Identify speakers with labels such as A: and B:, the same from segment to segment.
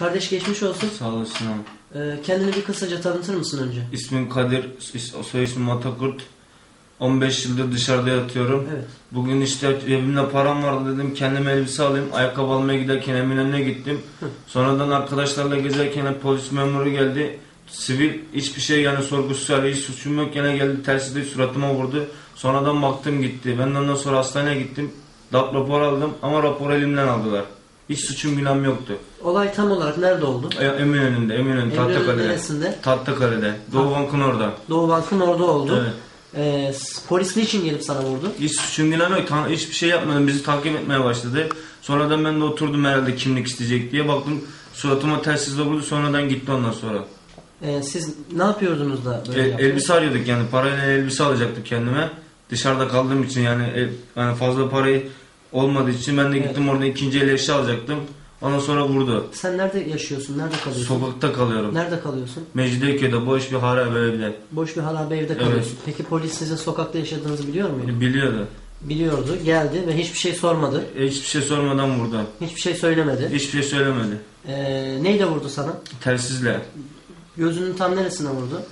A: Kardeş geçmiş olsun.
B: Sağ olasın abi.
A: Kendini bir kısaca tanıtır mısın önce?
B: İsmim Kadir, soy ismim Atakurt. 15 yıldır dışarıda yatıyorum.
A: Evet.
B: Bugün işte cebimde param vardı, dedim kendime elbise alayım. Ayakkabı almaya giderken Eminönü'ne gittim. Sonradan arkadaşlarla gezerken polis memuru geldi. Sivil, hiçbir şey yani sorgusu suali, hiç suçum yok, gene geldi telsizle suratıma vurdu. Sonradan baktım gitti. Ben ondan sonra hastaneye gittim. DAP rapor aldım ama raporu elimden aldılar. Hiç suçum günahım yoktu.
A: Olay tam olarak nerede oldu?
B: Eminönü Tahtakale'de.
A: Neresinde?
B: Tahtakale'de. Doğu Bank'ın orada.
A: Doğu Bank'ın orada oldu.
B: Evet.
A: Polis niçin gelip sana vurdu?
B: Hiç suçum günahım yok. Hiçbir şey yapmadım. Bizi takip etmeye başladı. Sonradan ben de oturdum herhalde kimlik isteyecek diye. Baktım suratıma telsizle vurdu. Sonradan gitti ondan sonra.
A: Siz ne yapıyordunuz da böyle yaptınız?
B: Elbise arıyorduk yani. Parayla elbise alacaktık kendime. Dışarıda kaldığım için yani fazla parayı olmadığı için ben de gittim orada ikinci el eşya alacaktım. Ondan sonra vurdu.
A: Sen nerede yaşıyorsun? Nerede kalıyorsun?
B: Sokakta kalıyorum.
A: Nerede kalıyorsun?
B: Mecidiyeköy'de boş bir harabe evde.
A: Boş bir harabe evde kalıyorsun. Evet. Peki polis sizin sokakta yaşadığınızı biliyor muydu?
B: Biliyordu.
A: Biliyordu. Geldi ve hiçbir şey sormadı.
B: Hiçbir şey sormadan vurdu.
A: Hiçbir şey söylemedi.
B: Hiçbir şey söylemedi.
A: Neyle vurdu sana?
B: Telsizle.
A: Gözünün tam neresine vurdu?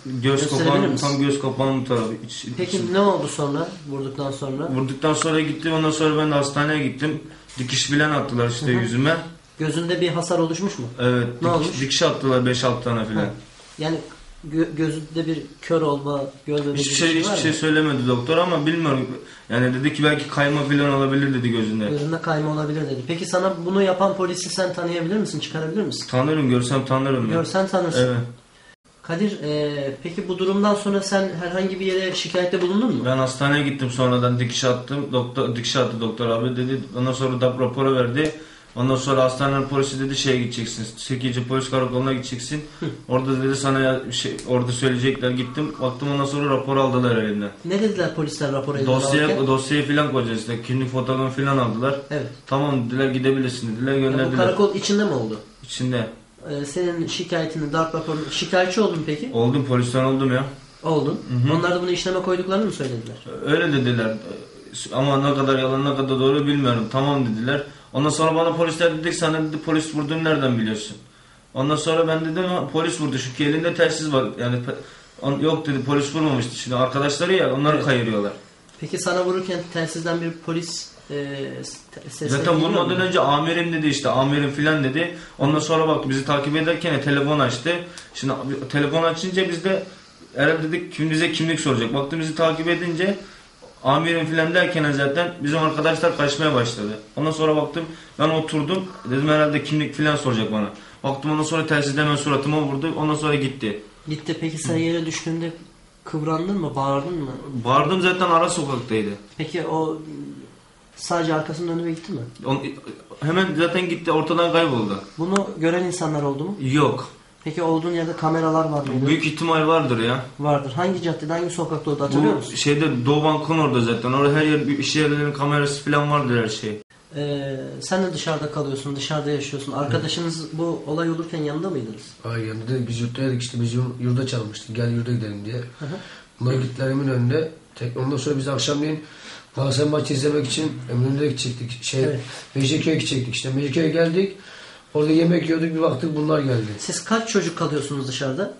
B: Tam göz kapağının tarafı.
A: Peki ne oldu sonra? Vurduktan sonra?
B: Vurduktan sonra gittim. Ondan sonra ben de hastaneye gittim. Dikiş filan attılar işte yüzüme.
A: Gözünde bir hasar oluşmuş mu?
B: Evet.
A: Ne olmuş?
B: Dikiş attılar 5-6 tane filan.
A: Yani gözünde bir kör olma, görmeme
B: hiçbir şey söylemedi doktor ama bilmiyorum. Yani dedi ki belki kayma filan olabilir dedi gözünde.
A: Gözünde kayma olabilir dedi. Peki sana bunu yapan polisi sen tanıyabilir misin? Çıkarabilir misin?
B: Tanırım, görsem tanırım.
A: Görsen tanırsın.
B: Evet.
A: Kadir, peki bu durumdan sonra sen herhangi bir yere şikayette bulundun mu?
B: Ben hastaneye gittim, sonradan dikiş attım. Dikiş attı doktor abi dedi. Ondan sonra DAP raporu verdi. Ondan sonra hastanenin polisi dedi şeye gideceksin. 8. polis karakoluna gideceksin. Orada dedi sana orada söyleyecekler. Gittim. Baktım ondan sonra rapor aldılar elimden.
A: Ne dediler polisler raporu eline alırken?
B: Dosyayı filan koyacağız işte. Kimlik fotoğrafını filan aldılar.
A: Evet.
B: Tamam dediler, gidebilirsin dediler, gönderdiler.
A: Bu karakol içinde mi oldu?
B: İçinde.
A: Senin şikayetini, darp raporunu, şikayetçi oldun peki?
B: Oldum, polisten oldum ya.
A: Oldun. Onlar da bunu işleme koyduklarını mı söylediler?
B: Öyle dediler. Ama ne kadar yalan ne kadar doğru bilmiyorum. Tamam dediler. Ondan sonra bana polisler dedik, sana dedi polis vurduğunu nereden biliyorsun? Ondan sonra ben dedim polis vurdu çünkü elinde telsiz var. Yani yok dedi, polis vurmamıştı. Şimdi arkadaşları ya, onları kayırıyorlar.
A: Peki sana vururken telsizden bir polis sesle
B: zaten vurmadan önce amirim dedi, işte amirim filan dedi. Ondan sonra bak bizi takip ederken telefon açtı. Şimdi telefon açınca biz de herhalde dedik bize kimlik soracak. Baktım bizi takip edince amirim filan derken zaten bizim arkadaşlar kaçmaya başladı. Ondan sonra baktım, ben oturdum, dedim herhalde kimlik filan soracak bana. Baktım ondan sonra telsizden hemen suratıma vurdu, ondan sonra gitti.
A: Gitti. Peki sen yere düştüğünde kıvrandın mı, bağırdın mı?
B: Bağırdım, zaten ara sokaktaydı.
A: Peki o sadece arkasını döndü ve gitti mi?
B: Hemen zaten gitti, ortadan kayboldu.
A: Bunu gören insanlar oldu mu?
B: Yok.
A: Peki olduğun yerde kameralar var mıydı?
B: Büyük ihtimal vardır ya.
A: Vardır. Hangi caddede, hangi sokakta oldu hatırlıyor musun?
B: Şeyde Doğu Bank'ın orada zaten. Orada her yer, iş yerlerinin kamerası falan vardır, her şey.
A: Sen de dışarıda kalıyorsun, dışarıda yaşıyorsun. Arkadaşınız bu olay olurken yanında mıydınız?
C: Hayır, yanında. Biz yurttaydık işte, biz yurda çalmıştık. Gel yurda gidelim diye. Bunlar gittiler Eminönü'nde. Ondan sonra biz akşamleyin Galatasaray maçı izlemek için Eminönü'ne gidecektik.
A: Evet.
C: Mecidiyeköy'e gidecektik işte. Mecidiyeköy'e geldik. Orada yemek yiyorduk, bir baktık bunlar geldi.
A: Siz kaç çocuk kalıyorsunuz dışarıda?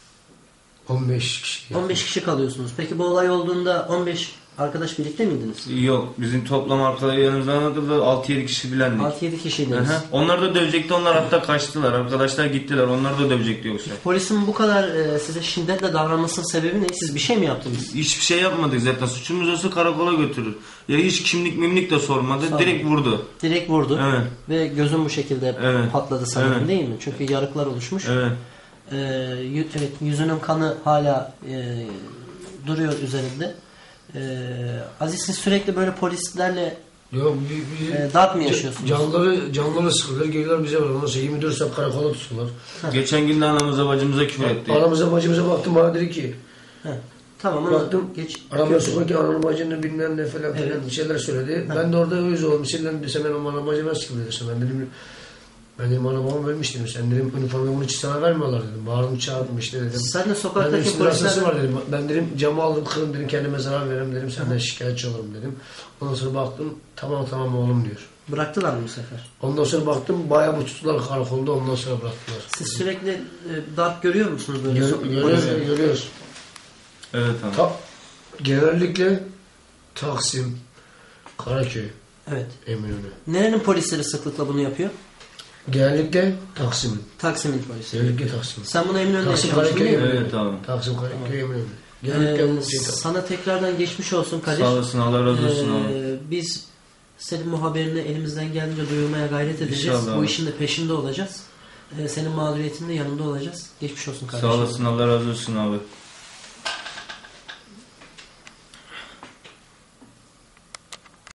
C: 15 kişi.
A: 15 kişi kalıyorsunuz. Peki bu olay olduğunda 15 arkadaş birlikte miydiniz?
B: Yok. Bizim toplam arkadaşlarımızdan kadar 6-7 kişi bilendik.
A: 6-7 kişiydiniz.
B: Onlar da dövecekti. Onlar hatta kaçtılar. Arkadaşlar gittiler. Onlar da dövecekti yoksa.
A: Polisin bu kadar size şiddetle davranmasının sebebi ne? Siz bir şey mi yaptınız?
B: Hiçbir şey yapmadık zaten. Suçumuz olsa karakola götürür. Ya hiç kimlik de sormadı. Direkt vurdu.
A: Direkt vurdu.
B: Evet.
A: Ve gözün bu şekilde patladı sanırım, değil mi? Çünkü yarıklar oluşmuş.
B: Evet.
A: Evet, yüzünün kanı hala duruyor üzerinde. Aziz, siz sürekli böyle polislerle darp mı yaşıyorsunuz?
C: Canları sıkılır, geliyorlar bize var. Ondan sonra 24 saat karakola tutuyorlar.
B: Geçen gün de anamıza bacımıza küfür etti.
C: Anamıza bacımıza baktım, bana dedi ki
A: tamam,
C: baktım, aramaya sokarken ananın bacını bilmem ne falan bir şeyler söyledi. Ben de orada öz oldum. Sen desem ben anam bacıma sıkıldı desem. Ben dedim anam babam ölmüş dedim. Sen dedim üniformayı bunun için sana vermiyorlar dedim. Bağırdım çağırdım işte dedim.
A: Sen de sokaktaki
C: polisler var dedim. Ben dedim camı aldım kırdım dedim, kendime zarar veririm dedim. Senden şikayetçi olurum dedim. Ondan sonra baktım tamam oğlum diyor.
A: Bıraktılar mı bu sefer?
C: Ondan sonra baktım bayağı bu tutular karakolda, ondan sonra bıraktılar.
A: Siz sürekli darp görüyor musunuz böyle?
C: Görüyoruz.
B: Evet abi.
C: Genellikle Taksim, Karaköy,
A: Evet.
C: Eminönü.
A: Nerenin polisleri sıklıkla bunu yapıyor?
C: Genellikle Taksim'in.
A: Taksim'in polisi.
C: Genellikle Taksim.
A: Sen bunu Eminönü'nde
C: Taksim,
A: yaşamıştın değil mi?
B: Evet abi.
C: Taksim, Karaköy, Eminönü. Genellikle bu şey
A: Sana tekrardan geçmiş olsun Kadir.
B: Sağ olasın, Allah razı olsun abi.
A: Biz senin bu haberini elimizden geldiğince duyurmaya gayret edeceğiz.
B: İnşallah
A: Bu
B: abi.
A: işin de peşinde olacağız. Senin mağduriyetinde yanında olacağız. Geçmiş olsun kardeşim.
B: Sağ olasın, Allah razı olsun abi.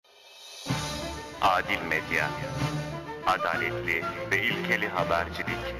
D: Adil Medya, adaletli ve ilkeli habercilik.